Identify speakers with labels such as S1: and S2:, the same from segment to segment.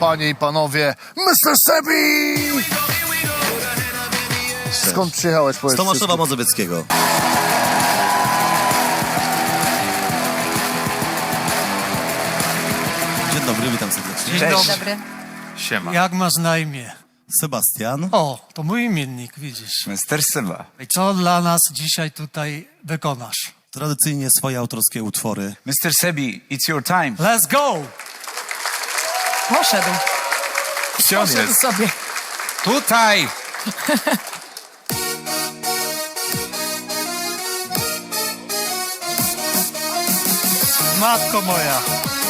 S1: panie i panowie, Mr. Sebi! Skąd przyjechałeś?
S2: Z Tomaszowa Mazowieckiego. Dzień dobry, witam serdecznie.
S3: Dzień
S4: Cześć.
S3: dobry.
S4: Siema.
S5: Jak masz na imię?
S2: Sebastian.
S5: O, to mój imiennik, widzisz.
S4: Mr. Seba.
S5: I co dla nas dzisiaj tutaj wykonasz?
S2: Tradycyjnie swoje autorskie utwory.
S4: Mr. Sebi, it's your time.
S5: Let's go!
S3: Poszedł.
S4: Gdzie on
S3: Poszedł
S4: jest?
S3: sobie.
S4: Tutaj!
S5: Matko moja.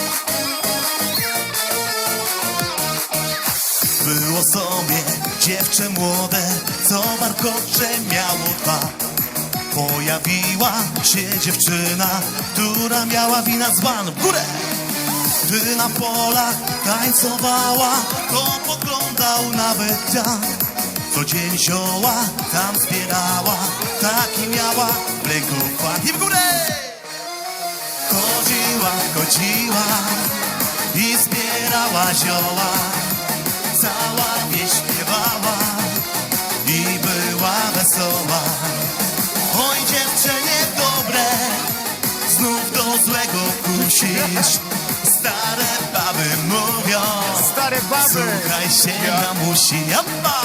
S2: Było sobie dziewczę młode, co warkocze miało dwa. Pojawiła się dziewczyna, która miała wina dzban w górę. Gdy na polach tańcowała, to poglądał nawet dziad. Co dzień zioła tam zbierała, taki miała w ręku fach. I w górę! Chodziła i zbierała zioła. Cała wieś śpiewała i była wesoła. Oj dziewczę niedobre, znów do złego kusisz. Stare baby mówią,
S1: Stare baby!
S2: słuchaj się mamusi, jabba!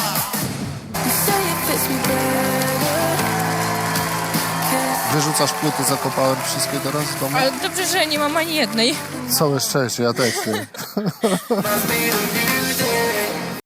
S1: Wyrzucasz płyty, zakopałem wszystkie teraz w domu?
S3: Ale dobrze, że nie mam ani jednej.
S1: Całe szczęście, ja też nie.